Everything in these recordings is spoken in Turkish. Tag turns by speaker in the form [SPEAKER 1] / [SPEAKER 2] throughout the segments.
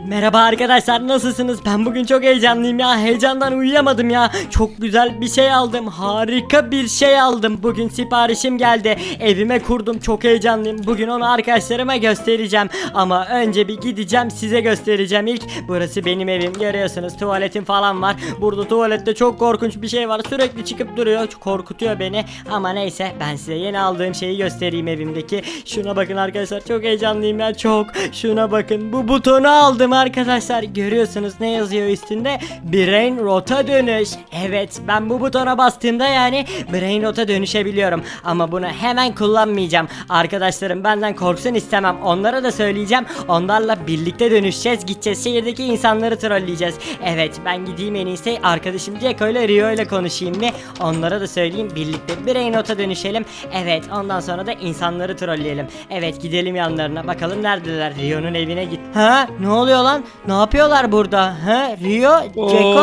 [SPEAKER 1] Merhaba arkadaşlar, nasılsınız? Ben bugün çok heyecanlıyım ya. Heyecandan uyuyamadım ya. Çok güzel bir şey aldım. Harika bir şey aldım. Bugün siparişim geldi. Evime kurdum. Çok heyecanlıyım. Bugün onu arkadaşlarıma göstereceğim. Ama önce bir gideceğim, size göstereceğim ilk. Burası benim evim. Görüyorsunuz, tuvaletim falan var. Burada tuvalette çok korkunç bir şey var. Sürekli çıkıp duruyor. Çok korkutuyor beni. Ama neyse, ben size yeni aldığım şeyi göstereyim evimdeki. Şuna bakın arkadaşlar. Çok heyecanlıyım ya. Çok. Şuna bakın. Bu butonu aldım arkadaşlar. Görüyorsunuz ne yazıyor üstünde? Brain Rot'a dönüş. Evet, ben bu butona bastığımda yani Brain Rot'a dönüşebiliyorum. Ama bunu hemen kullanmayacağım. Arkadaşlarım benden korksun istemem. Onlara da söyleyeceğim. Onlarla birlikte dönüşeceğiz. Gideceğiz, şehirdeki insanları trolleyeceğiz. Evet, ben gideyim en iyisi. Arkadaşım Ceko ile Rio ile konuşayım bir. Onlara da söyleyeyim. Birlikte Brain Rot'a dönüşelim. Evet, ondan sonra da insanları trolleyelim. Evet, gidelim yanlarına. Bakalım neredeler? Rio'nun evine git. Ha? Ne oluyor lan? Ne yapıyorlar burada? Ha? Rio, Ceko.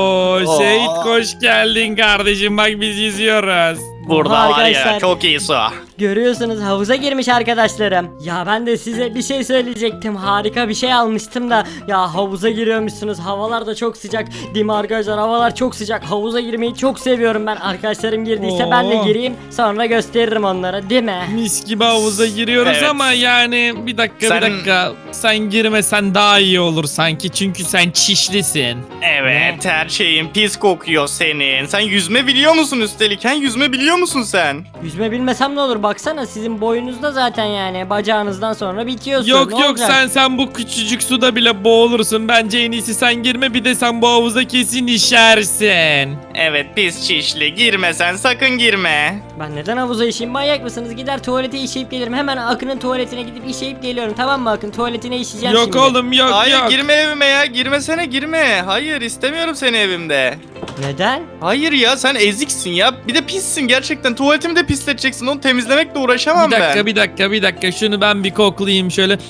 [SPEAKER 2] Oo, Seyit hoş geldin kardeşim, bak biz yüzüyoruz.
[SPEAKER 3] Burada
[SPEAKER 1] Oha
[SPEAKER 3] var ya
[SPEAKER 1] arkadaşlar.
[SPEAKER 3] çok iyi su.
[SPEAKER 1] Görüyorsunuz, havuza girmiş arkadaşlarım. Ya ben de size bir şey söyleyecektim. Harika bir şey almıştım da. Ya havuza giriyormuşsunuz. Havalar da çok sıcak. Değil mi arkadaşlar? Havalar çok sıcak. Havuza girmeyi çok seviyorum ben. Arkadaşlarım girdiyse ben de
[SPEAKER 2] Oo.
[SPEAKER 1] gireyim. Sonra gösteririm onlara, değil mi?
[SPEAKER 2] Mis gibi havuza giriyoruz
[SPEAKER 3] Evet.
[SPEAKER 2] ama yani bir dakika sen girmesen daha iyi olur sanki, çünkü sen çişlisin.
[SPEAKER 3] Evet, her şeyin pis kokuyor senin. Sen yüzme biliyor musun üstelik? Yüzme biliyor musun sen?
[SPEAKER 1] Yüzme bilmesem ne olur? Baksana, sizin boyunuzda zaten yani. Bacağınızdan sonra bitiyorsun.
[SPEAKER 2] Yok
[SPEAKER 1] Ne
[SPEAKER 2] yok,
[SPEAKER 1] olacak?
[SPEAKER 2] sen bu küçücük suda bile boğulursun. Bence en iyisi sen girme, bir de sen bu havuza kesin işersin.
[SPEAKER 3] Evet, pis çişli. Girme sen, sakın girme.
[SPEAKER 1] Ben neden havuza işeyim? Manyak mısınız? Gider tuvalete işeyip gelirim. Hemen Akın'ın tuvaletine gidip işeyip geliyorum. Tamam mı Akın? Tuvaletine işeyeceğim
[SPEAKER 2] Yok
[SPEAKER 1] şimdi.
[SPEAKER 2] oğlum, yok
[SPEAKER 3] Hayır,
[SPEAKER 2] yok.
[SPEAKER 3] girme evime ya. Girmesene, girme. Hayır, istemiyorum seni evimde.
[SPEAKER 1] Neden?
[SPEAKER 3] Hayır ya, sen eziksin ya. Bir de pissin gerçekten. Tuvaletimi de pisleteceksin. Onu temizlemekle uğraşamam ben.
[SPEAKER 2] Bir dakika, şunu ben bir koklayayım şöyle.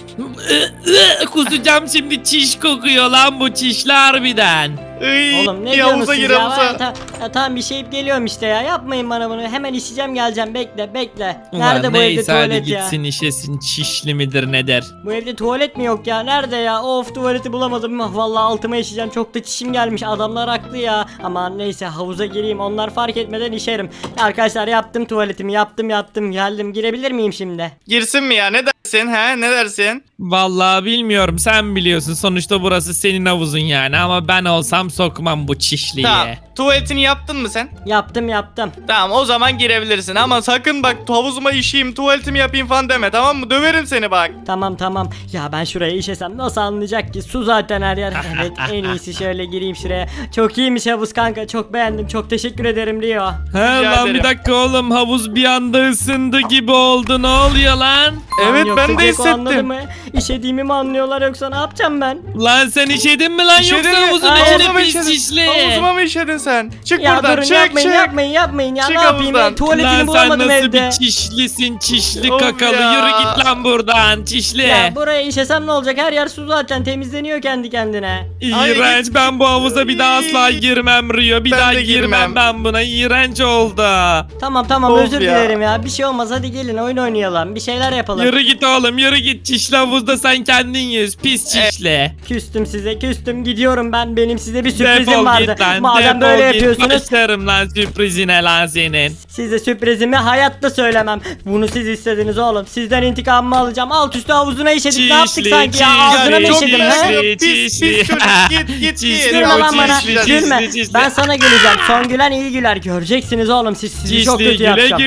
[SPEAKER 2] Kusacağım şimdi, çiş kokuyor lan bu, çişli harbiden.
[SPEAKER 3] Iy,
[SPEAKER 1] Oğlum ne
[SPEAKER 3] bir
[SPEAKER 1] diyorsunuz
[SPEAKER 3] havuza
[SPEAKER 1] siz
[SPEAKER 3] gir
[SPEAKER 1] ya?
[SPEAKER 3] havuza.
[SPEAKER 1] Tamam, bir şeyip geliyorum işte ya. Yapmayın bana bunu. Hemen işeceğim, geleceğim. Bekle.
[SPEAKER 2] Ulan
[SPEAKER 1] Nerede bu evde
[SPEAKER 2] neyse, hadi
[SPEAKER 1] tuvalet ya?
[SPEAKER 2] gitsin işesin, çişli midir nedir?
[SPEAKER 1] Bu evde tuvalet mi yok ya? Nerede ya? Of, tuvaleti bulamadım. Vallahi altıma işeceğim. Çok da çişim gelmiş. Adamlar haklı ya. Ama neyse, havuza gireyim. Onlar fark etmeden işerim. Arkadaşlar, yaptım tuvaletimi. Yaptım. Geldim. Girebilir miyim şimdi?
[SPEAKER 3] Girsin mi ya? Ne dersin ha? Ne dersin?
[SPEAKER 2] Vallahi bilmiyorum, sen biliyorsun, sonuçta burası senin havuzun yani, ama ben olsam sokmam bu çişliği.
[SPEAKER 3] Tamam. Tuvaletini yaptın mı sen?
[SPEAKER 1] Yaptım.
[SPEAKER 3] Tamam, o zaman girebilirsin ama sakın bak havuzuma işeyim, tuvaletimi yapayım falan deme, tamam mı? Döverim seni bak.
[SPEAKER 1] Tamam. Ya ben şuraya işesem nasıl anlayacak ki? Su zaten her yer. Evet, en iyisi şöyle gireyim şuraya. Çok iyiymiş havuz kanka. Çok beğendim. Çok teşekkür ederim Rio.
[SPEAKER 2] He
[SPEAKER 3] Rica
[SPEAKER 2] lan, bir
[SPEAKER 3] ederim.
[SPEAKER 2] dakika oğlum, havuz bir anda ısındı gibi oldu, ne oluyor lan?
[SPEAKER 3] Evet,
[SPEAKER 1] Yoksa
[SPEAKER 3] ben de
[SPEAKER 1] Ceko anladı
[SPEAKER 3] hissettim.
[SPEAKER 1] mı? İşediğimi mi anlıyorlar, yoksa ne yapacağım ben?
[SPEAKER 2] Lan sen işedin mi lan,
[SPEAKER 3] İşedin
[SPEAKER 2] yoksa
[SPEAKER 3] mi?
[SPEAKER 2] havuzun
[SPEAKER 1] Aa,
[SPEAKER 2] içine
[SPEAKER 3] Havuzuma mı
[SPEAKER 2] pis
[SPEAKER 3] işedin?
[SPEAKER 2] çişli?
[SPEAKER 3] Havuzuma mı işedin sen? Çık
[SPEAKER 1] Ya
[SPEAKER 3] buradan,
[SPEAKER 1] durun,
[SPEAKER 3] çık
[SPEAKER 1] yapmayın ya.
[SPEAKER 3] Çık
[SPEAKER 1] Ne yapayım?
[SPEAKER 3] havuzdan.
[SPEAKER 1] Tuvaletini
[SPEAKER 2] Lan sen
[SPEAKER 1] bulamadım
[SPEAKER 2] nasıl
[SPEAKER 1] evde.
[SPEAKER 2] bir çişlisin, çişli
[SPEAKER 3] Of
[SPEAKER 2] kakalı,
[SPEAKER 3] ya.
[SPEAKER 2] yürü git lan buradan çişli.
[SPEAKER 1] Ya buraya işesem ne olacak? Her yer su zaten, temizleniyor kendi kendine.
[SPEAKER 2] İğrenç, ben bu havuza bir daha asla girmem Rio, bir
[SPEAKER 3] Ben
[SPEAKER 2] daha
[SPEAKER 3] de
[SPEAKER 2] girmem
[SPEAKER 3] girmem.
[SPEAKER 2] ben buna, iğrenç oldu.
[SPEAKER 1] Tamam,
[SPEAKER 3] Of
[SPEAKER 1] özür
[SPEAKER 3] ya.
[SPEAKER 1] dilerim ya. Bir şey olmaz, hadi gelin oyun oynayalım. Bir şeyler yapalım.
[SPEAKER 2] Yürü git oğlum, yürü git, çişli havuzda sen kendin yüz, pis çişli.
[SPEAKER 1] Küstüm size, gidiyorum ben. Benim size bir sürprizim
[SPEAKER 2] Defol
[SPEAKER 1] vardı.
[SPEAKER 2] git lan,
[SPEAKER 1] Madem
[SPEAKER 2] defol
[SPEAKER 1] böyle
[SPEAKER 2] git,
[SPEAKER 1] yapıyorsunuz,
[SPEAKER 2] başlarım lan sürprizine lan senin.
[SPEAKER 1] size sürprizimi hayatta söylemem. Bunu siz istediniz oğlum. Sizden intikamımı alacağım. Alt üstü havuzuna işedik. Ne yaptık sanki ya? Ağzına mı
[SPEAKER 3] çok
[SPEAKER 1] işedim
[SPEAKER 3] güzel.
[SPEAKER 1] he?
[SPEAKER 3] Pis çocuk, git.
[SPEAKER 1] Gülme lan bana.
[SPEAKER 2] çişli,
[SPEAKER 1] Gülme.
[SPEAKER 2] çişli, çişli.
[SPEAKER 1] Ben sana güleceğim. Son gülen iyi güler. Göreceksiniz oğlum siz. Sizi çok
[SPEAKER 2] Çişli,
[SPEAKER 1] kötü
[SPEAKER 2] güle
[SPEAKER 1] yapacağım.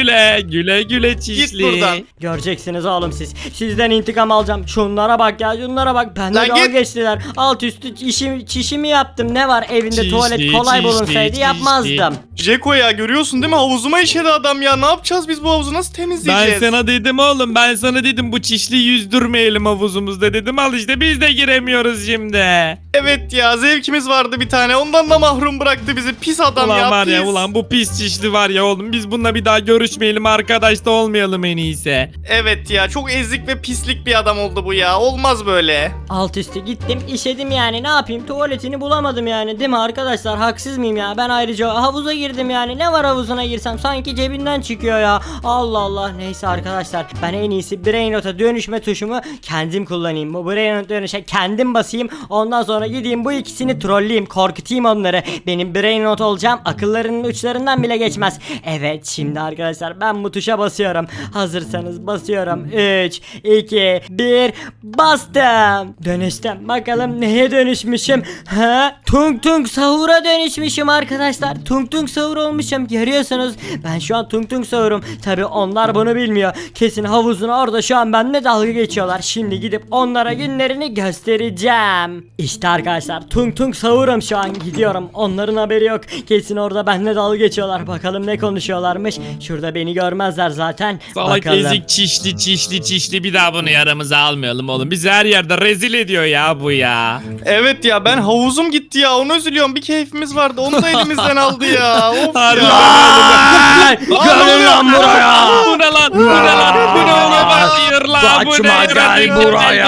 [SPEAKER 2] güle çişli.
[SPEAKER 3] buradan.
[SPEAKER 1] Göreceksiniz oğlum siz. Sizden intikam alacağım. Şunlara bak ya, şunlara bak. Benden
[SPEAKER 3] Lan
[SPEAKER 1] dalga
[SPEAKER 3] git.
[SPEAKER 1] geçtiler. Alt üstü çişimi yaptım. Ne var evinde,
[SPEAKER 2] Çişli,
[SPEAKER 1] tuvalet kolay
[SPEAKER 2] çişli,
[SPEAKER 1] bulunsaydı
[SPEAKER 2] çişli.
[SPEAKER 1] yapmazdım.
[SPEAKER 3] Ceko ya, görüyorsun değil mi? Havuzuma işedi adam ya. Ne yapacağız biz bu havuzu? Nasıl
[SPEAKER 2] Ben
[SPEAKER 3] temizleyeceğiz?
[SPEAKER 2] sana dedim oğlum, ben sana dedim bu çişli yüzdürmeyelim havuzumuzda dedim, al işte biz de giremiyoruz şimdi.
[SPEAKER 3] Evet ya, zevkimiz vardı bir tane, ondan da mahrum bıraktı bizi, pis adam
[SPEAKER 2] Ulan
[SPEAKER 3] ya,
[SPEAKER 2] var ya
[SPEAKER 3] pis.
[SPEAKER 2] ulan bu pis çişli var ya oğlum biz bununla bir daha görüşmeyelim arkadaş da olmayalım en iyisi.
[SPEAKER 3] Evet ya, çok ezik ve pislik bir adam oldu bu ya, olmaz böyle.
[SPEAKER 1] Alt üstü gittim işedim yani, ne yapayım, tuvaletini bulamadım yani, değil mi arkadaşlar, haksız mıyım ya? Ben ayrıca havuza girdim yani, ne var havuzuna girsem, sanki cebinden çıkıyor ya. Allah Allah, neyse arkadaşlar, ben en iyisi Brain Rot'a dönüşme tuşumu kendim kullanayım. Bu Brain Rot dönüşe kendim basayım, ondan sonra gideyim bu ikisini trolleyeyim, korkutayım onları. Benim Brain Rot olacağım, akıllarının uçlarından bile geçmez. Evet, şimdi arkadaşlar ben bu tuşa basıyorum. Hazırsanız basıyorum. 3 2 1 bastım. Dönüştüm. Bakalım neye dönüşmüşüm? Ha? Tung Tung Sahur'a dönüşmüşüm arkadaşlar. Tung Tung Sahur olmuşum. Görüyorsunuz. Ben şu an Tung Tung Sahur'um. Tabi onlar bunu bilmiyor. Kesin havuzun orada şu an benimle dalga geçiyorlar. Şimdi gidip onlara günlerini göstereceğim. İşte arkadaşlar Tung Tung Sahur'um şu an. Gidiyorum. Onların haberi yok. Kesin orada benimle dalga geçiyorlar. Bakalım ne konuşuyorlarmış. Şurada beni görmezler zaten.
[SPEAKER 2] Salak
[SPEAKER 1] Bakalım.
[SPEAKER 2] ezik çişli bir daha bunu yaramıza almayalım oğlum. Bizi her yerde rezil ediyor ya bu ya.
[SPEAKER 3] Evet ya, ben havuzum gitti ya, onu üzülüyorum, bir keyfimiz vardı, onu da elimizden aldı ya. Of
[SPEAKER 2] Harbi
[SPEAKER 3] ya.
[SPEAKER 1] Ay, Gelin lan buraya.
[SPEAKER 2] Bu ne lan? Bu ne lan? Bu ne oğlum? Hayır lan bu ne?
[SPEAKER 1] Kaçma, gel
[SPEAKER 2] Yaratık
[SPEAKER 1] buraya.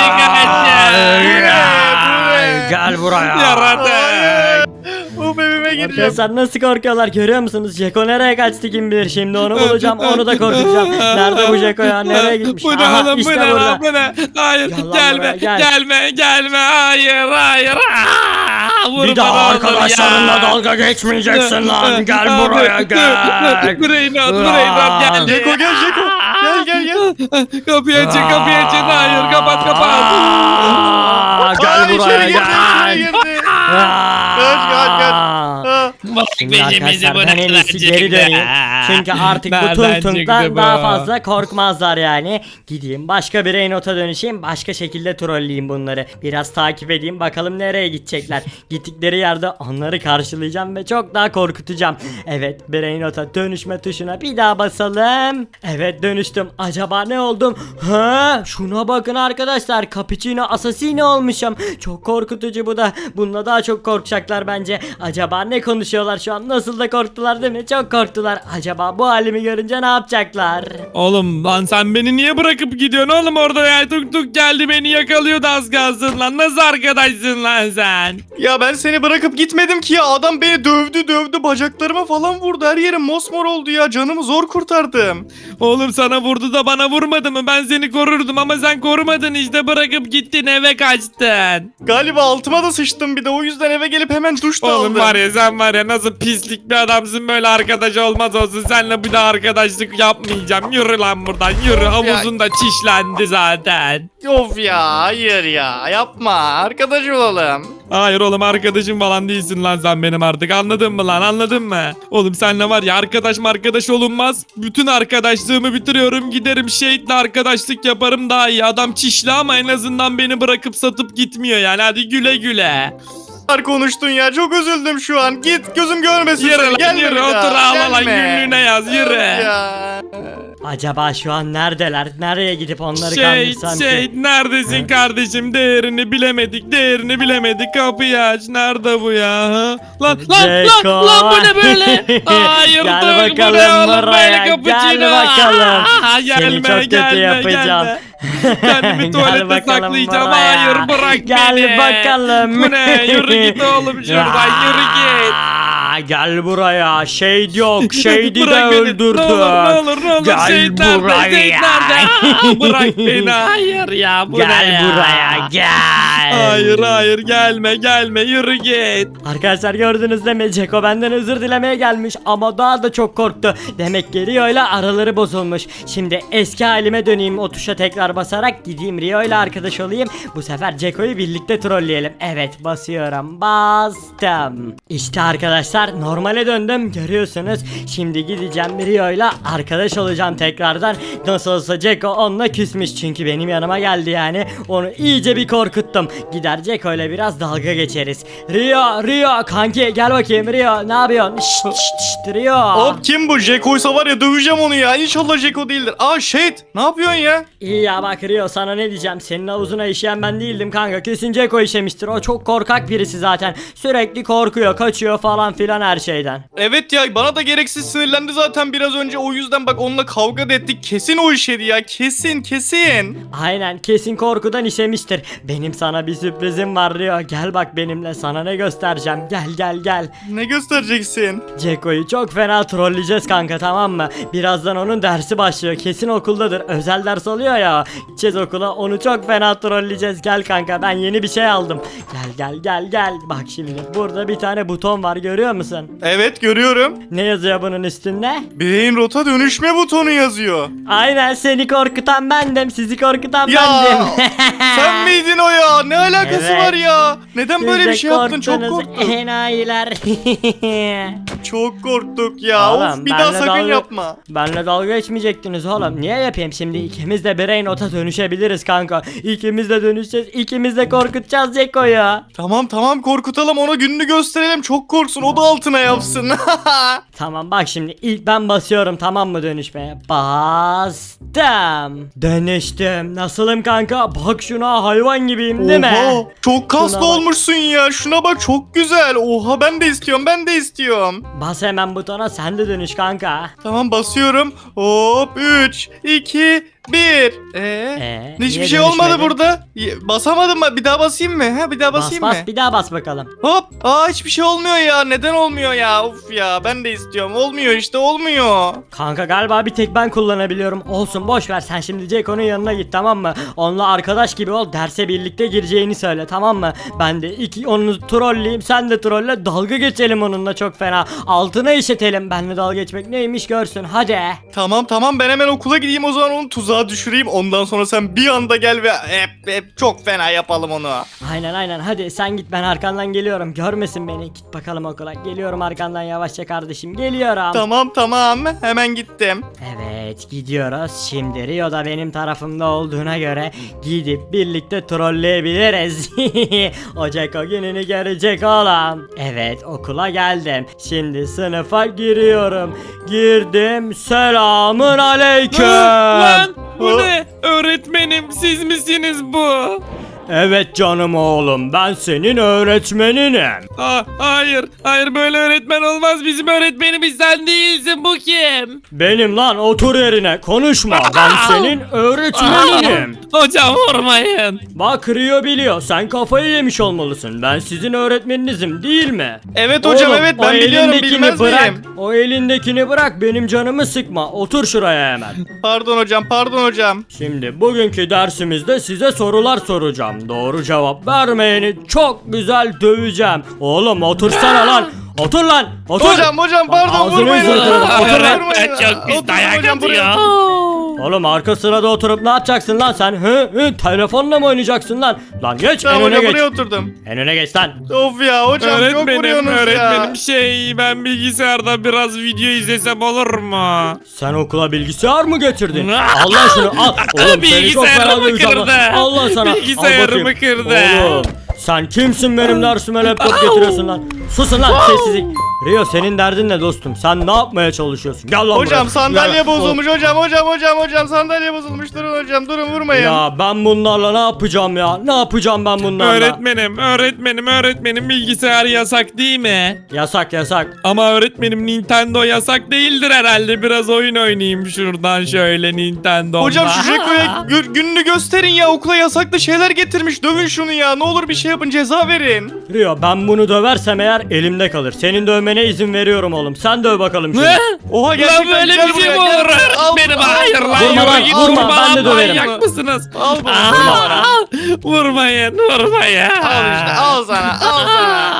[SPEAKER 2] geldi.
[SPEAKER 1] Gel buraya.
[SPEAKER 2] Yaratık.
[SPEAKER 3] Of, evime gireceğim.
[SPEAKER 1] Arkadaşlar nasıl korkuyorlar görüyor musunuz? Jeko nereye kaçtı kim bilir, şimdi onu bulacağım, onu da korkutacağım. Nerede bu Jeko ya, nereye gitmiş?
[SPEAKER 2] Bu ne
[SPEAKER 1] Aha,
[SPEAKER 2] oğlum? Bu
[SPEAKER 1] işte
[SPEAKER 2] ne
[SPEAKER 1] burada.
[SPEAKER 2] lan? Bu ne? Hayır
[SPEAKER 1] Gel lan
[SPEAKER 2] gelme.
[SPEAKER 1] buraya, gel.
[SPEAKER 2] Gelme. Hayır. Vurma
[SPEAKER 1] Bir daha
[SPEAKER 2] oğlum
[SPEAKER 1] arkadaşlarınla
[SPEAKER 2] ya.
[SPEAKER 1] dalga geçmeyeceksin lan, gel buraya gel.
[SPEAKER 2] Brain Rot geldi.
[SPEAKER 3] Jeko gel, Jeko. Gel.
[SPEAKER 2] Kapıyı açın. Hayır kapat.
[SPEAKER 1] Aa, Gel
[SPEAKER 3] Aa,
[SPEAKER 1] buraya
[SPEAKER 3] içeri girdi, içeri
[SPEAKER 1] gel.
[SPEAKER 3] girdi.
[SPEAKER 1] Aa.
[SPEAKER 3] Kaç. Ha.
[SPEAKER 2] Bak
[SPEAKER 1] Şimdi arkadaşlar ben en iyisi geri döneyim. Çünkü artık bu
[SPEAKER 2] Nereden
[SPEAKER 1] Tung
[SPEAKER 2] çıktı
[SPEAKER 1] Tung'dan
[SPEAKER 2] bu?
[SPEAKER 1] daha fazla korkmazlar yani. Gideyim başka bir Reynot'a dönüşeyim. Başka şekilde trolleyeyim bunları. Biraz takip edeyim bakalım nereye gidecekler. Gittikleri yerde onları karşılayacağım ve çok daha korkutacağım. Evet, Brainot'a dönüşme tuşuna bir daha basalım. Evet, dönüştüm. Acaba ne oldum? Ha, şuna bakın arkadaşlar. Cappuccino Assassino olmuşum. Çok korkutucu bu da. Bununla daha çok korkacaklar bence. Acaba ne konuşuyorlar şu an? Nasıl da korktular değil mi? Çok korktular. Acaba bu halimi görünce ne yapacaklar?
[SPEAKER 2] Oğlum lan sen beni niye bırakıp gidiyorsun oğlum orada ya? Tuk geldi beni yakalıyordu az kalsın lan. Nasıl arkadaşsın lan sen?
[SPEAKER 3] Ya ben seni bırakıp gitmedim ki ya, adam beni dövdü, bacaklarıma falan vurdu, her yerim mosmor oldu ya, canımı zor kurtardım.
[SPEAKER 2] Oğlum sana vurdu da bana vurmadı mı? Ben seni korurdum ama sen korumadın işte, bırakıp gittin eve kaçtın.
[SPEAKER 3] Galiba altıma da sıçtım, bir de o yüzden eve gelip hemen duş da
[SPEAKER 2] Oğlum
[SPEAKER 3] aldım.
[SPEAKER 2] var ya sen var ya nasıl pislik bir adamsın, böyle arkadaş olmaz olsun. Seninle bir daha arkadaşlık yapmayacağım. Yürü lan buradan yürü, havuzun da çişlendi zaten.
[SPEAKER 3] Of ya, hayır ya, yapma, arkadaş olalım.
[SPEAKER 2] Hayır oğlum arkadaşım falan değilsin lan sen benim artık, anladın mı lan, anladın mı? Oğlum seninle var ya arkadaş olunmaz. Bütün arkadaşlığımı bitiriyorum, giderim şehitle arkadaşlık yaparım daha iyi. Adam çişli ama en azından beni bırakıp satıp gitmiyor yani, hadi güle güle.
[SPEAKER 3] Konuştun ya, çok üzüldüm şu an, git gözüm görmesin.
[SPEAKER 2] Yürü
[SPEAKER 3] seni.
[SPEAKER 2] lan
[SPEAKER 3] Gelme
[SPEAKER 2] yürü,
[SPEAKER 3] bir daha,
[SPEAKER 2] otur ağla lan,
[SPEAKER 3] gelme.
[SPEAKER 2] günlüğüne yaz yürü.
[SPEAKER 3] Of ya.
[SPEAKER 1] Acaba şu an neredeler? Nereye gidip onları kandırsam ki?
[SPEAKER 2] Neredesin kardeşim, değerini bilemedik, kapıyı aç, nerede bu ya? Ha? Lan
[SPEAKER 1] Jeko.
[SPEAKER 2] bu ne böyle? Hayır
[SPEAKER 1] Gel
[SPEAKER 2] dur, bu
[SPEAKER 1] bakalım
[SPEAKER 2] ne oğlum
[SPEAKER 1] buraya,
[SPEAKER 2] böyle cappuccino?
[SPEAKER 1] gel bakalım. Seni çok kötü
[SPEAKER 2] gelme.
[SPEAKER 1] yapacağım.
[SPEAKER 2] Kendimi
[SPEAKER 1] Gel
[SPEAKER 2] tuvalete
[SPEAKER 1] bakalım
[SPEAKER 2] saklayacağım.
[SPEAKER 1] buraya.
[SPEAKER 2] Hayır bırak
[SPEAKER 1] Gel
[SPEAKER 2] beni.
[SPEAKER 1] bakalım.
[SPEAKER 2] Bu ne? Yürü git oğlum şuradan, yürü git.
[SPEAKER 1] Aa, Gel buraya. Shade yok. Shade'i de
[SPEAKER 2] Bırak beni.
[SPEAKER 1] öldürdüm.
[SPEAKER 2] Ne olur
[SPEAKER 1] Gel
[SPEAKER 2] Seyit nerede?
[SPEAKER 1] buraya.
[SPEAKER 2] Seyit nerede? Aa, bırak beni, hayır ya, bu ne
[SPEAKER 1] Gel
[SPEAKER 2] ya?
[SPEAKER 1] buraya gel.
[SPEAKER 2] Hayır gelme yürü git.
[SPEAKER 1] Arkadaşlar gördünüz değil mi? Ceko benden özür dilemeye gelmiş ama daha da çok korktu. Demek ki Rio ile araları bozulmuş. Şimdi eski halime döneyim, o tuşa tekrar basarak gideyim Rio ile arkadaş olayım. Bu sefer Ceko'yu birlikte trolleyelim. Evet, basıyorum, bastım. İşte arkadaşlar arkadaşlar normale döndüm görüyorsunuz. Şimdi gideceğim Rio'yla arkadaş olacağım tekrardan. Nasıl olsa Ceko onunla küsmüş çünkü benim yanıma geldi yani. Onu iyice bir korkuttum. Gider Ceko'yla biraz dalga geçeriz. Rio kanki gel bakayım Rio ne yapıyorsun? Şşt Rio.
[SPEAKER 3] Hop kim bu? Jeko'ysa var ya döveceğim onu ya. İnşallah Jeko değildir. Aa Shade ne yapıyorsun ya?
[SPEAKER 1] İyi ya bak Rio sana ne diyeceğim, senin havuzuna işeyen ben değildim kanka, kesin Ceko işemiştir, o çok korkak birisi zaten, sürekli korkuyor kaçıyor falan filan her şeyden.
[SPEAKER 3] Evet ya bana da gereksiz sinirlendi zaten biraz önce, o yüzden bak onunla kavga da ettik, kesin o işedi ya, kesin.
[SPEAKER 1] Aynen kesin korkudan işemiştir. Benim sana bir sürprizim var Rio, gel bak benimle, sana ne göstereceğim, gel.
[SPEAKER 3] Ne göstereceksin?
[SPEAKER 1] Ceko'yu çok fena trolleyeceğiz kanka, tamam mı? Birazdan onun dersi başlıyor, kesin okuldadır, özel ders alıyor ya. Gideceğiz okula, onu çok fena trolleyeceğiz. Gel kanka ben yeni bir şey aldım. Gel. Bak şimdi burada bir tane buton var, görüyor musun?
[SPEAKER 3] Evet görüyorum.
[SPEAKER 1] Ne yazıyor bunun üstünde?
[SPEAKER 3] Beyin rota dönüşme butonu yazıyor.
[SPEAKER 1] Aynen, seni korkutan bendim, sizi korkutan
[SPEAKER 3] Ya
[SPEAKER 1] bendim.
[SPEAKER 3] sen miydin o ya? Ne alakası
[SPEAKER 1] Evet.
[SPEAKER 3] var ya? Neden
[SPEAKER 1] Siz
[SPEAKER 3] böyle
[SPEAKER 1] de
[SPEAKER 3] bir şey yaptın? Çok
[SPEAKER 1] korktunuz,
[SPEAKER 3] korktum.
[SPEAKER 1] enayiler.
[SPEAKER 3] Çok korktuk ya.
[SPEAKER 1] Oğlum,
[SPEAKER 3] Of bir daha
[SPEAKER 1] benle
[SPEAKER 3] sakın
[SPEAKER 1] dalga-
[SPEAKER 3] yapma.
[SPEAKER 1] Benle dalga geçmeyecektiniz oğlum. Niye yapayım şimdi? İkimiz de brain ota dönüşebiliriz kanka. İkimiz de dönüşeceğiz. İkimiz de korkutacağız Ceko'yu.
[SPEAKER 3] Tamam korkutalım, ona gününü gösterelim, çok korksun, o da altına yapsın.
[SPEAKER 1] Tamam bak şimdi ilk ben basıyorum, tamam mı, dönüşmeye? Bastım. Dönüştüm. Nasılım kanka? Bak şuna, hayvan gibiyim değil mi?
[SPEAKER 3] Oha çok kaslı
[SPEAKER 1] Şuna bak.
[SPEAKER 3] olmuşsun ya, şuna bak çok güzel. Oha ben de istiyorum.
[SPEAKER 1] Bas hemen butona, sen de dönüş kanka.
[SPEAKER 3] Tamam basıyorum. Hop 3 2 1. Hiçbir
[SPEAKER 1] niye
[SPEAKER 3] şey olmadı
[SPEAKER 1] dönüşmedi?
[SPEAKER 3] burada. Basamadım mı? Bir daha basayım mı? Bir daha
[SPEAKER 1] Bas
[SPEAKER 3] basayım mı?
[SPEAKER 1] bir daha bas bakalım.
[SPEAKER 3] Hop. Hiçbir şey olmuyor ya. Neden olmuyor ya? Of ya ben de istiyorum. Olmuyor işte, olmuyor.
[SPEAKER 1] Kanka galiba bir tek ben kullanabiliyorum. Olsun boş ver, sen şimdi Ceko'nun yanına git, tamam mı? Onunla arkadaş gibi ol, derse birlikte gireceğini söyle, tamam mı? Ben de onu trolleyeyim, sen de trolle, dalga geçelim onunla çok fena. Altına işetelim, benle dalga geçmek neymiş görsün, hadi.
[SPEAKER 3] Tamam ben hemen okula gideyim o zaman, onu tuzağa düşüreyim. Ondan sonra sen bir anda gel ve hep çok fena yapalım onu.
[SPEAKER 1] Aynen hadi sen git, ben arkandan geliyorum, görmesin beni, git bakalım okula, geliyorum arkandan yavaşça kardeşim, geliyorum.
[SPEAKER 3] Tamam hemen gittim.
[SPEAKER 1] Evet gidiyoruz, şimdi Rio da benim tarafımda olduğuna göre gidip birlikte trolleyebiliriz. O Ceko gününü görecek oğlum. Evet okula geldim, şimdi sınıfa giriyorum, girdim, selamun aleyküm.
[SPEAKER 2] Lan bu ne? Öğretmenim siz misiniz bu?
[SPEAKER 1] Evet canım oğlum, ben senin öğretmeninim.
[SPEAKER 2] Hayır böyle öğretmen olmaz, bizim öğretmenimiz sen değilsin, bu kim?
[SPEAKER 1] Benim lan, otur yerine, konuşma, ben senin öğretmeninim.
[SPEAKER 2] Hocam vurmayın.
[SPEAKER 1] Bak Rio biliyor, sen kafayı yemiş olmalısın, ben sizin öğretmeninizim değil mi?
[SPEAKER 3] Evet hocam
[SPEAKER 1] Oğlum,
[SPEAKER 3] evet
[SPEAKER 1] o
[SPEAKER 3] ben biliyorum,
[SPEAKER 1] elindekini
[SPEAKER 3] bilmez
[SPEAKER 1] bırak,
[SPEAKER 3] miyim?
[SPEAKER 1] o elindekini bırak, benim canımı sıkma, otur şuraya hemen.
[SPEAKER 3] Pardon hocam.
[SPEAKER 1] Şimdi bugünkü dersimizde size sorular soracağım. Doğru cevap vermeyeni çok güzel döveceğim. Oğlum otursana lan. Otur lan. Otur.
[SPEAKER 3] Hocam pardon
[SPEAKER 1] Ağzını
[SPEAKER 3] vurmayın.
[SPEAKER 1] yüzünü kırarım. Otur lan.
[SPEAKER 3] Vurmayın.
[SPEAKER 2] Çok pis
[SPEAKER 3] Oturun
[SPEAKER 2] dayak
[SPEAKER 3] hocam, buraya.
[SPEAKER 2] atıyor.
[SPEAKER 1] Oğlum arka sırada oturup ne yapacaksın lan sen? Telefonla mı oynayacaksın lan? Lan geç,
[SPEAKER 3] Tamam
[SPEAKER 1] en öne
[SPEAKER 3] hocam
[SPEAKER 1] geç.
[SPEAKER 3] buraya oturdum.
[SPEAKER 1] En öne geç lan.
[SPEAKER 3] Of ya hocam çok vuruyorsunuz ya.
[SPEAKER 2] Ben bilgisayarda biraz video izlesem olur mu?
[SPEAKER 1] Sen okula bilgisayar mı getirdin? Al lan şunu al. Oğlum seni çok
[SPEAKER 2] Bilgisayarımı
[SPEAKER 1] fena döveceğim lan.
[SPEAKER 2] kırdı.
[SPEAKER 1] Al lan sana. Al
[SPEAKER 2] Bilgisayarımı
[SPEAKER 1] bakayım.
[SPEAKER 2] kırdı.
[SPEAKER 1] Oğlum sen kimsin benim dersime laptop getiriyorsun lan? Susun lan, sessizlik. Rio senin derdin ne dostum? Sen ne yapmaya çalışıyorsun? Gel lan buraya.
[SPEAKER 3] Hocam sandalye
[SPEAKER 1] Gel.
[SPEAKER 3] bozulmuş hocam sandalye bozulmuş, durun hocam durun vurmayın.
[SPEAKER 1] Ya ben bunlarla ne yapacağım ya? Ne yapacağım ben bunlarla?
[SPEAKER 2] Öğretmenim bilgisayar yasak değil mi?
[SPEAKER 1] Yasak.
[SPEAKER 2] Ama öğretmenim Nintendo yasak değildir herhalde. Biraz oyun oynayayım şuradan şöyle Nintendo'da.
[SPEAKER 3] Hocam şu Jeko'ya gününü gösterin ya, okula yasaklı şeyler getirmiş, dövün şunu ya, ne olur bir şey yapın, ceza verin.
[SPEAKER 1] Rio ben bunu döversem eğer elimde kalır. Senin dövmene izin veriyorum oğlum. Sen döv bakalım şunu.
[SPEAKER 2] Ne?
[SPEAKER 3] Oha
[SPEAKER 2] Lan
[SPEAKER 3] gerçekten
[SPEAKER 2] böyle
[SPEAKER 3] gel
[SPEAKER 2] bir şey
[SPEAKER 3] buraya,
[SPEAKER 2] mi
[SPEAKER 3] gel.
[SPEAKER 2] olur öğretmenim? Hayır lan,
[SPEAKER 1] Vurma
[SPEAKER 2] yürü
[SPEAKER 1] lan,
[SPEAKER 2] git,
[SPEAKER 1] vurma, ben de döverim.
[SPEAKER 2] Manyak mısınız?
[SPEAKER 3] Al bunu,
[SPEAKER 2] Aa,
[SPEAKER 3] vurma bana.
[SPEAKER 2] Vurmayın.
[SPEAKER 3] Al işte, al sana.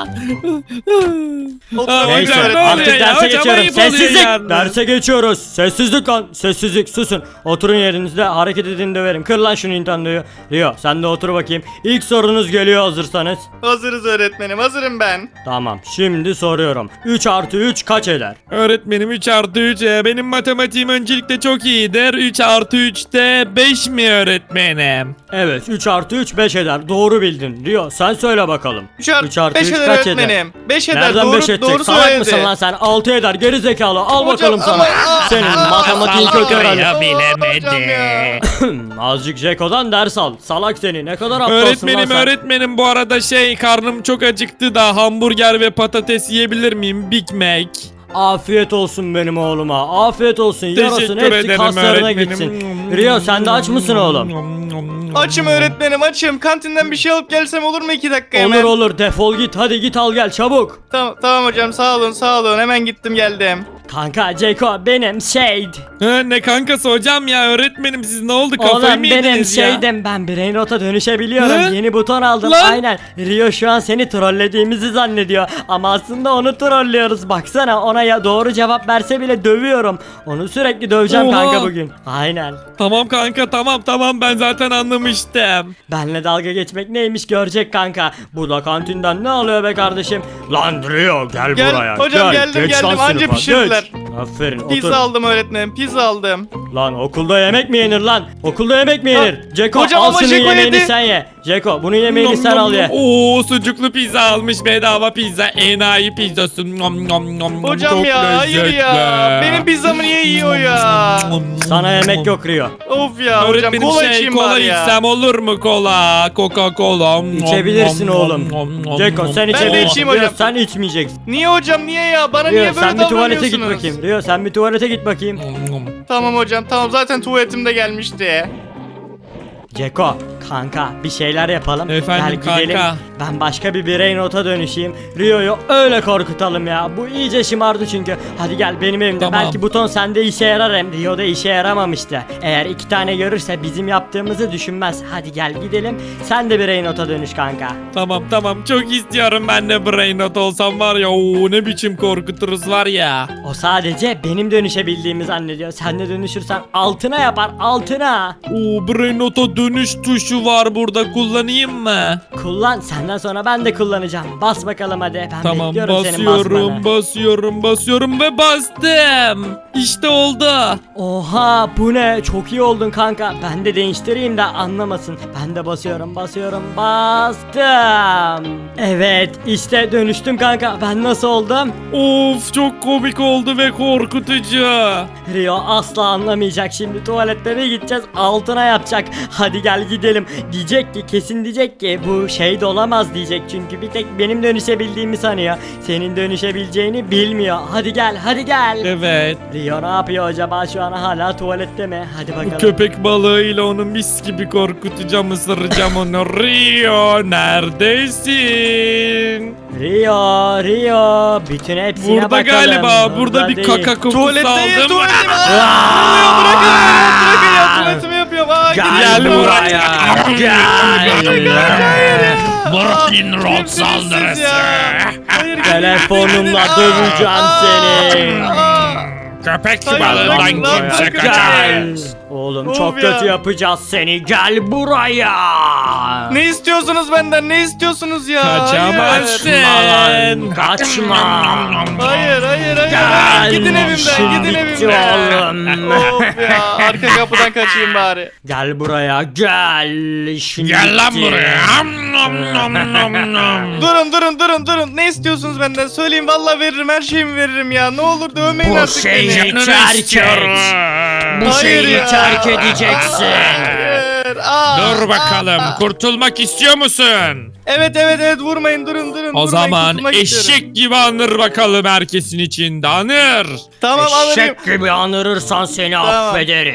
[SPEAKER 3] Oturun
[SPEAKER 1] Neyse
[SPEAKER 3] öğretmenim.
[SPEAKER 1] artık derse geçiyorum. Sessizlik.
[SPEAKER 2] Yani.
[SPEAKER 1] Derse geçiyoruz. Sessizlik lan. Sessizlik, susun. Oturun yerinizde, hareket edin döverim. Kır lan şu Nintendo'yu. Rio sen de otur bakayım. İlk sorunuz geliyor hazırsanız.
[SPEAKER 3] Hazırız öğretmenim, hazırım ben.
[SPEAKER 1] Tamam şimdi soruyorum. 3 artı 3 kaç eder?
[SPEAKER 2] Öğretmenim 3 artı 3. Benim matematiğim öncelikle çok iyidir. 3 artı 3 de 5 mi öğretmenim?
[SPEAKER 1] Evet 3 artı 3 5 eder. Doğru bildin. Rio sen söyle bakalım.
[SPEAKER 3] 3 artı
[SPEAKER 1] 3 artı
[SPEAKER 3] 5
[SPEAKER 1] 3
[SPEAKER 3] eder
[SPEAKER 1] kaç eder?
[SPEAKER 3] öğretmenim. 5 eder,
[SPEAKER 1] Nereden
[SPEAKER 3] doğru,
[SPEAKER 1] 5 edecek?
[SPEAKER 3] doğru
[SPEAKER 1] Salak
[SPEAKER 3] söyledi.
[SPEAKER 1] mısın lan sen? 6 eder geri zekalı. Al
[SPEAKER 3] Hocam,
[SPEAKER 1] bakalım sana.
[SPEAKER 3] ama-
[SPEAKER 1] Senin matematiğin
[SPEAKER 2] salak
[SPEAKER 1] kötü herhalde.
[SPEAKER 2] ya.
[SPEAKER 3] Hocam ya.
[SPEAKER 1] Azıcık Jeko'dan ders al. Salak seni. Ne kadar aptalsın lan
[SPEAKER 2] Öğretmenim
[SPEAKER 1] sen.
[SPEAKER 2] öğretmenim bu arada karnım çok acıktı da hamburger ve patates yiyebilir miyim? Big Mac.
[SPEAKER 1] Afiyet olsun benim oğluma. Afiyet olsun. Yarasın
[SPEAKER 2] Teşekkür
[SPEAKER 1] hepsi
[SPEAKER 2] ederim
[SPEAKER 1] kaslarına
[SPEAKER 2] öğretmenim.
[SPEAKER 1] gitsin. Rio sen de aç mısın oğlum?
[SPEAKER 3] Açım öğretmenim, açım. Kantinden bir şey alıp gelsem olur mu 2 dakika hemen?
[SPEAKER 1] Olur olur defol git. Hadi git al gel çabuk.
[SPEAKER 3] Tamam, tamam hocam, sağ olun, sağ olun. Hemen gittim geldim.
[SPEAKER 1] Kanka Ceko benim Shade.
[SPEAKER 2] Ne kankası hocam ya öğretmenim siz ne oldu kafayı
[SPEAKER 1] Oğlum
[SPEAKER 2] mı
[SPEAKER 1] benim
[SPEAKER 2] yediniz ya?
[SPEAKER 1] Shade'im. Ben Brain Rot'a dönüşebiliyorum.
[SPEAKER 2] Hı?
[SPEAKER 1] Yeni buton aldım.
[SPEAKER 2] Lan.
[SPEAKER 1] Aynen. Rio şu an seni trollediğimizi zannediyor. Ama aslında onu trollüyoruz. Baksana ona ya doğru cevap verse bile dövüyorum. Onu sürekli döveceğim
[SPEAKER 2] Oha.
[SPEAKER 1] kanka bugün. Aynen.
[SPEAKER 2] Tamam kanka tamam ben zaten anlamıştım.
[SPEAKER 1] Benle dalga geçmek neymiş görecek kanka. Bu da kantinden ne alıyor be kardeşim? Lan Rio gel,
[SPEAKER 3] Gel,
[SPEAKER 1] buraya.
[SPEAKER 3] hocam,
[SPEAKER 1] gel.
[SPEAKER 3] geldim,
[SPEAKER 1] Geç lan
[SPEAKER 3] geldim. Anca
[SPEAKER 1] sınıfa,
[SPEAKER 3] pişirdiler.
[SPEAKER 1] geç. Aferin
[SPEAKER 3] Pizza
[SPEAKER 1] otur.
[SPEAKER 3] aldım öğretmenim, pizza aldım.
[SPEAKER 1] Lan okulda yemek mi yenir lan? Okulda yemek mi yenir? Ceko
[SPEAKER 3] hocam
[SPEAKER 1] al
[SPEAKER 3] ama
[SPEAKER 1] şunun
[SPEAKER 3] Ceko
[SPEAKER 1] yemeğini
[SPEAKER 3] yedi.
[SPEAKER 1] sen ye. Ceko bunun yemeğini sen al ye.
[SPEAKER 2] Oo sucuklu pizza almış bedava pizza enayi pizzası. Nom, nom, nom,
[SPEAKER 3] Hocam
[SPEAKER 2] çok
[SPEAKER 3] ya, hayır
[SPEAKER 2] lezzetli.
[SPEAKER 3] ya. Benim pizzamı niye yiyor ya?
[SPEAKER 1] Sana yemek yok Rio.
[SPEAKER 3] Of ya hocam,
[SPEAKER 2] Öğretmenim
[SPEAKER 3] kola içeyim
[SPEAKER 2] kola
[SPEAKER 3] bari ya.
[SPEAKER 2] içsem olur mu kola? Coca-Cola.
[SPEAKER 1] İçebilirsin oğlum. Ceko sen
[SPEAKER 3] de
[SPEAKER 1] içebilirsin.
[SPEAKER 3] içeyim
[SPEAKER 1] Rio
[SPEAKER 3] hocam.
[SPEAKER 1] sen içmeyeceksin.
[SPEAKER 3] Niye hocam, niye ya? Bana
[SPEAKER 1] Rio
[SPEAKER 3] niye böyle
[SPEAKER 1] sen bir tuvalete git
[SPEAKER 3] davranıyorsunuz?
[SPEAKER 1] bakayım. Rio sen bir tuvalete git bakayım.
[SPEAKER 3] Tamam hocam, tamam, zaten tuvaletim de gelmişti.
[SPEAKER 1] Ceko kanka bir şeyler yapalım.
[SPEAKER 2] Efendim
[SPEAKER 1] Gel gidelim.
[SPEAKER 2] kanka.
[SPEAKER 1] Ben başka bir Brain Rot'a dönüşeyim. Rio'yu öyle korkutalım ya. Bu iyice şımardı çünkü. Hadi gel benim evimde.
[SPEAKER 2] Tamam.
[SPEAKER 1] Belki buton sende işe yarar hem Rio'da işe yaramamıştı. Eğer 2 tane görürse bizim yaptığımızı düşünmez. Hadi gel gidelim. Sen de Brain Rot'a dönüş kanka.
[SPEAKER 2] Tamam çok istiyorum ben de brain rot olsam var ya ne biçim korkuturuz var ya.
[SPEAKER 1] O sadece benim dönüşebildiğimi zannediyor. Sen de dönüşürsen altına yapar altına.
[SPEAKER 2] Brain rot'a dönüş tuşu var burada kullanayım mı?
[SPEAKER 1] Kullan senden sonra ben de kullanacağım. Bas bakalım hadi. Ben
[SPEAKER 2] Tamam
[SPEAKER 1] bekliyorum senin basmanı.
[SPEAKER 2] basıyorum ve bastım. İşte oldu.
[SPEAKER 1] Oha bu ne? Çok iyi oldun kanka. Ben de değiştireyim de anlamasın. Ben de basıyorum bastım. Evet işte dönüştüm kanka. Ben nasıl oldum?
[SPEAKER 2] Of çok komik oldu ve korkutucu.
[SPEAKER 1] Rio asla anlamayacak şimdi tuvalette bir gideceğiz altına yapacak. Hadi gel gidelim. Diyecek ki kesin diyecek ki bu şey de olamaz diyecek. Çünkü bir tek benim dönüşebildiğimi sanıyor. Senin dönüşebileceğini bilmiyor. Hadi gel hadi gel.
[SPEAKER 2] Evet.
[SPEAKER 1] Rio ne yapıyor acaba şu an hala tuvalette mi? Hadi bakalım.
[SPEAKER 2] Köpek balığıyla onu mis gibi korkutacağım, ısıracağım onu. Rio neredesin?
[SPEAKER 1] Rio bütün hepsine
[SPEAKER 2] Burada
[SPEAKER 1] bakalım.
[SPEAKER 2] galiba. Burada bir
[SPEAKER 1] değil.
[SPEAKER 2] kaka kokusu
[SPEAKER 3] Tuvaletteyim,
[SPEAKER 2] aldım.
[SPEAKER 3] tuvaletim.
[SPEAKER 1] Aa!
[SPEAKER 3] Bırakın ya, tuvaletimi yapıyorum.
[SPEAKER 1] Gel buraya. Gel.
[SPEAKER 2] Brain rot
[SPEAKER 3] Kimsiniz siz
[SPEAKER 2] saldırısı.
[SPEAKER 3] ya? Hayır, gidin,
[SPEAKER 1] Telefonumla
[SPEAKER 3] gidin.
[SPEAKER 1] döveceğim seni.
[SPEAKER 2] Köpek
[SPEAKER 3] Hayır,
[SPEAKER 2] balığından
[SPEAKER 3] bırakın lan,
[SPEAKER 2] kimse
[SPEAKER 3] bırakın.
[SPEAKER 2] kaçamaz.
[SPEAKER 1] Gel. Oğlum
[SPEAKER 3] Of
[SPEAKER 1] çok
[SPEAKER 3] ya.
[SPEAKER 1] kötü yapacağız seni. Gel buraya.
[SPEAKER 3] Ne istiyorsunuz benden? Ne istiyorsunuz ya?
[SPEAKER 2] Kaçamazsın.
[SPEAKER 1] Kaçma.
[SPEAKER 3] Hayır, hayır, hayır.
[SPEAKER 1] Gel.
[SPEAKER 3] Gidin evimden,
[SPEAKER 1] İşin
[SPEAKER 3] gidin
[SPEAKER 1] bitti
[SPEAKER 3] evimden.
[SPEAKER 1] oğlum.
[SPEAKER 3] Of ya, arka kapıdan kaçayım bari.
[SPEAKER 1] Gel buraya gel. İşin
[SPEAKER 2] Gel lan
[SPEAKER 1] bitti.
[SPEAKER 2] buraya. Nom, nom, nom, nom.
[SPEAKER 3] Durun. Ne istiyorsunuz benden? Söyleyin, vallahi veririm, her şeyimi veririm ya. Ne olur dövmeyin
[SPEAKER 1] Bu
[SPEAKER 3] artık
[SPEAKER 1] şeyi
[SPEAKER 3] beni.
[SPEAKER 2] Canını
[SPEAKER 1] terk et.
[SPEAKER 2] istiyorum.
[SPEAKER 1] Bu
[SPEAKER 3] Hayır
[SPEAKER 1] şeyi
[SPEAKER 3] ya.
[SPEAKER 1] terk edeceksin.
[SPEAKER 3] Hayır.
[SPEAKER 2] Dur bakalım kurtulmak istiyor musun?
[SPEAKER 3] Evet, vurmayın, durun.
[SPEAKER 2] O zaman
[SPEAKER 3] kurtulmak istiyorum.
[SPEAKER 2] eşek gibi anır bakalım herkesin içinde anır.
[SPEAKER 3] Tamam, anırayım.
[SPEAKER 1] Eşek gibi anırırsan seni
[SPEAKER 3] Tamam.
[SPEAKER 1] affederiz.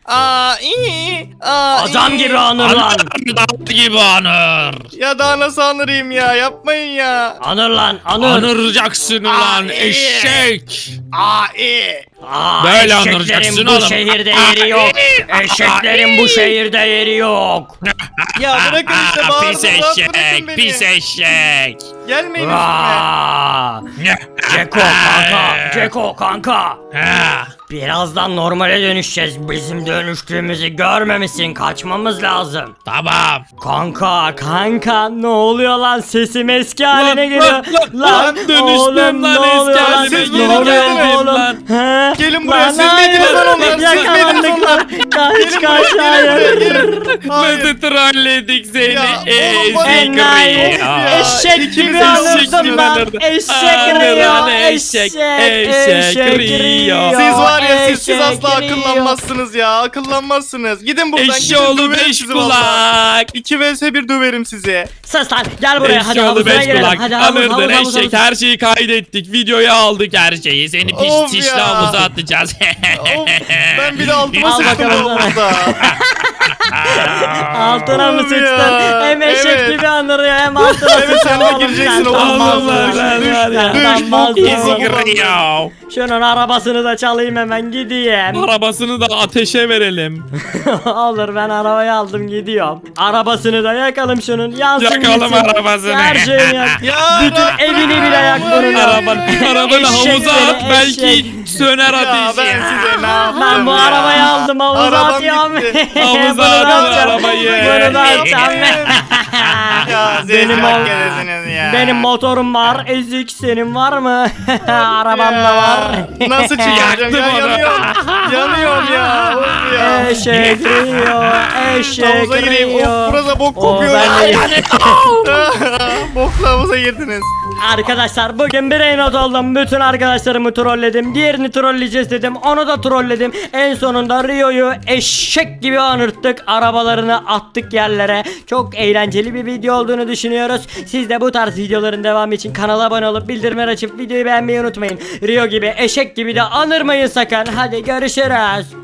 [SPEAKER 1] Adam gibi anır lan.
[SPEAKER 2] Adam gibi anır.
[SPEAKER 3] Ya daha nasıl anırayım ya? Yapmayın ya.
[SPEAKER 1] Anır lan anır.
[SPEAKER 2] Anıracaksın ulan
[SPEAKER 3] iyi.
[SPEAKER 2] eşek.
[SPEAKER 1] Eşeklerin
[SPEAKER 2] Böyle anıracaksın
[SPEAKER 1] bu
[SPEAKER 2] oğlum.
[SPEAKER 1] şehirde yeri yok. Eşeklerin bu şehirde yeri yok.
[SPEAKER 3] Ya bırakın işte
[SPEAKER 2] Pis
[SPEAKER 3] bağırın. Rahat
[SPEAKER 2] eşek,
[SPEAKER 3] bırakın beni.
[SPEAKER 2] pis eşek.
[SPEAKER 3] Gelmeyin üstüme.
[SPEAKER 1] Aa! Ceko kanka, Ceko kanka.
[SPEAKER 2] Ha.
[SPEAKER 1] Birazdan normale dönüşeceğiz. Bizim dönüştüğümüzü görmemişsin. Kaçmamız lazım.
[SPEAKER 2] Tamam.
[SPEAKER 1] Kanka ne oluyor lan? Sesim eski haline geliyor.
[SPEAKER 2] lan, dönüştüm
[SPEAKER 1] oğlum,
[SPEAKER 2] lan,
[SPEAKER 1] ne
[SPEAKER 2] eski
[SPEAKER 1] oluyor lan?
[SPEAKER 2] halime
[SPEAKER 3] Siz
[SPEAKER 1] Ne
[SPEAKER 3] geri
[SPEAKER 1] oluyor
[SPEAKER 3] gelin
[SPEAKER 1] oğlum?
[SPEAKER 2] lan.
[SPEAKER 1] He?
[SPEAKER 3] Gelin buraya,
[SPEAKER 1] Lan
[SPEAKER 3] siz miydiniz
[SPEAKER 1] hayır,
[SPEAKER 3] lan onlar? Siz
[SPEAKER 1] yakalandık
[SPEAKER 3] miydiniz
[SPEAKER 1] lan.
[SPEAKER 3] Gelin
[SPEAKER 1] Kaç
[SPEAKER 3] buraya, gelin buraya,
[SPEAKER 1] hayır.
[SPEAKER 3] gelin. Hayır.
[SPEAKER 2] Nasıl trolledik seni
[SPEAKER 3] Ya, oğlum bana-
[SPEAKER 2] ezik
[SPEAKER 1] Enayi.
[SPEAKER 2] Rio.
[SPEAKER 1] Eşek
[SPEAKER 3] İkimiz
[SPEAKER 1] gibi
[SPEAKER 3] de
[SPEAKER 1] anırdım
[SPEAKER 3] eşek
[SPEAKER 1] lan.
[SPEAKER 2] gibi
[SPEAKER 1] Eşek
[SPEAKER 2] anırdım.
[SPEAKER 1] Rio.
[SPEAKER 2] Eşek, eşek Rio.
[SPEAKER 3] Siz var ya siz
[SPEAKER 1] Eşek
[SPEAKER 3] asla
[SPEAKER 1] Rio.
[SPEAKER 3] akıllanmazsınız ya. Akıllanmazsınız. Gidin buradan. gidin,
[SPEAKER 2] Eşoğlu
[SPEAKER 3] döverim
[SPEAKER 2] 5
[SPEAKER 3] sizi vallahi.
[SPEAKER 2] kulak.
[SPEAKER 3] 2 vs 1 döverim sizi.
[SPEAKER 1] Sus lan gel buraya hadi
[SPEAKER 2] Eşoğlu
[SPEAKER 1] havuzuna
[SPEAKER 2] 5
[SPEAKER 1] girelim.
[SPEAKER 2] kulak.
[SPEAKER 1] Hadi havuz
[SPEAKER 2] Anırdın
[SPEAKER 1] havuz
[SPEAKER 2] eşek. Her şeyi kaydettik. Videoya aldık her şeyi. Seni
[SPEAKER 3] Of
[SPEAKER 2] pişti
[SPEAKER 3] ya.
[SPEAKER 2] havuza atacağız.
[SPEAKER 3] Of, ben bir de altıma
[SPEAKER 1] Al
[SPEAKER 3] sıçtım
[SPEAKER 1] bakalım
[SPEAKER 3] bu havuzda.
[SPEAKER 1] Altına mı
[SPEAKER 3] Of
[SPEAKER 1] sıçtın?
[SPEAKER 3] ya,
[SPEAKER 1] Hem eşek
[SPEAKER 3] evet.
[SPEAKER 1] gibi anırıyor hem altına
[SPEAKER 3] Evet,
[SPEAKER 1] sıçtın
[SPEAKER 3] sen de
[SPEAKER 1] oğlum.
[SPEAKER 3] gireceksin
[SPEAKER 1] Sen
[SPEAKER 3] oğlum.
[SPEAKER 1] utanmazsın.
[SPEAKER 2] Allah Allah,
[SPEAKER 3] Düş,
[SPEAKER 2] Allah, Allah.
[SPEAKER 3] düş,
[SPEAKER 1] Utanmazsın.
[SPEAKER 3] bok,
[SPEAKER 2] Ezik Rio.
[SPEAKER 1] Şunun arabasını da çalayım hemen gideyim.
[SPEAKER 2] Arabasını da ateşe verelim.
[SPEAKER 1] Olur ben arabayı aldım gidiyorum. Arabasını da yakalım şunun yansın
[SPEAKER 2] Yakalım
[SPEAKER 1] gitsin.
[SPEAKER 2] arabasını.
[SPEAKER 1] Her şeyini yak.
[SPEAKER 3] Ya,
[SPEAKER 1] Bütün evini bile yak bunun.
[SPEAKER 2] Arabanı havuza
[SPEAKER 1] Eşek
[SPEAKER 2] at
[SPEAKER 1] seni,
[SPEAKER 2] belki
[SPEAKER 1] eşek.
[SPEAKER 2] söner
[SPEAKER 3] Ya ben
[SPEAKER 2] ateşi.
[SPEAKER 3] size ne yaptım
[SPEAKER 1] Ben bu
[SPEAKER 3] ya?
[SPEAKER 1] arabayı aldım havuza
[SPEAKER 3] Arabam
[SPEAKER 1] atıyorum.
[SPEAKER 3] gitti.
[SPEAKER 2] Havuza
[SPEAKER 1] Bunu da
[SPEAKER 2] atın
[SPEAKER 1] atacağım.
[SPEAKER 2] arabayı.
[SPEAKER 1] Bunu da atacağım.
[SPEAKER 3] Ya
[SPEAKER 1] Benim
[SPEAKER 3] benim
[SPEAKER 1] ol-
[SPEAKER 3] ya.
[SPEAKER 1] Benim motorum var. Ezik senin var mı? Arabam da var.
[SPEAKER 3] Nasıl çıkaracağım
[SPEAKER 2] Yaktım
[SPEAKER 3] ya?
[SPEAKER 2] onu.
[SPEAKER 3] Yanıyorum. Yanıyorum ya. Of ya.
[SPEAKER 1] Eşek Rio, eşek
[SPEAKER 3] Havuza gireyim. Of
[SPEAKER 1] Rio.
[SPEAKER 3] burada bok
[SPEAKER 1] Oo,
[SPEAKER 3] kokuyor.
[SPEAKER 1] ben de-
[SPEAKER 3] Bokla havuza girdiniz.
[SPEAKER 1] Arkadaşlar bugün bir not oldum. Bütün arkadaşlarımı trolledim. Diğerini trolleyeceğiz dedim. Onu da trolledim. En sonunda Rio'yu eşek gibi anırttık. Arabalarını attık yerlere. Çok eğlenceli bir video olduğunu düşünüyoruz. Siz de bu tarz videoların devamı için kanala abone olup bildirimleri açıp videoyu beğenmeyi unutmayın. Rio gibi eşek gibi de anırmayın sakın. Hadi görüşürüz.